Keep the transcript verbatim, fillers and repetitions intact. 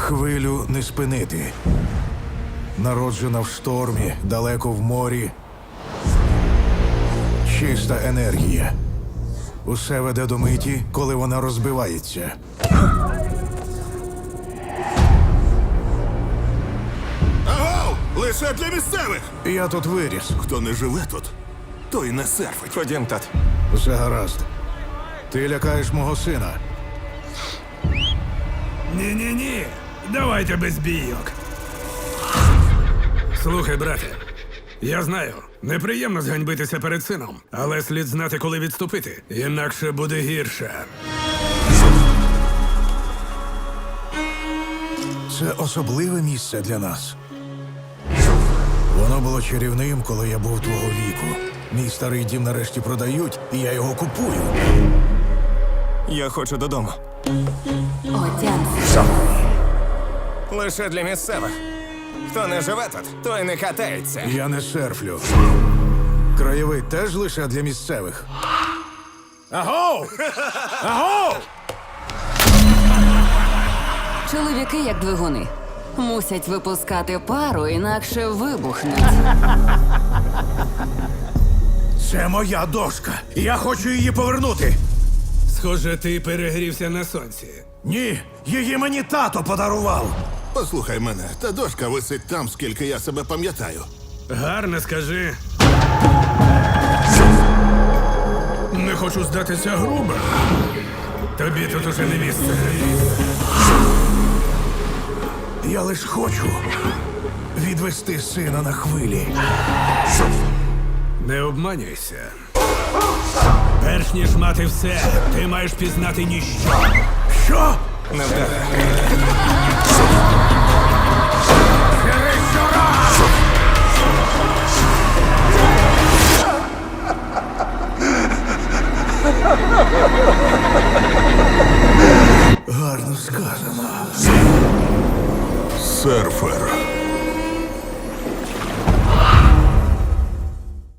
Хвилю не спинити. Народжена в штормі, далеко в морі. Чиста енергія. Усе веде до миті, коли вона розбивається. Агов! Лише для місцевих! Я тут виріс. Хто не живе тут, той не серфить. Ходім, тат. Все гаразд. Ти лякаєш мого сина. Ні-ні-ні. Давайте без бійок. Слухай, брате. Я знаю, неприємно зганьбитися перед сином, але слід знати, коли відступити. Інакше буде гірше. Це особливе місце для нас. Воно було чарівним, коли я був твого віку. Мій старий дім нарешті продають, і я його купую. Я хочу додому. Отямся. Лише для місцевих. Хто не живе тут, той не катається. Я не серфлю. Краєвид теж лише для місцевих. Агов! Агов! Чоловіки, як двигуни, мусять випускати пару, інакше вибухнуть. Це моя дошка. Я хочу її повернути. Схоже, ти перегрівся на сонці. Ні, її мені тато подарував. Послухай мене, та дошка висить там, скільки я себе пам'ятаю. Гарно скажи. Не хочу здатися грубо. Тобі тут уже не місце. Я лиш хочу відвести сина на хвилі. Не обманюйся. Перш ніж мати все, ти маєш пізнати ніщо. Що? Не вдаре. Гарно сказано. Серфер.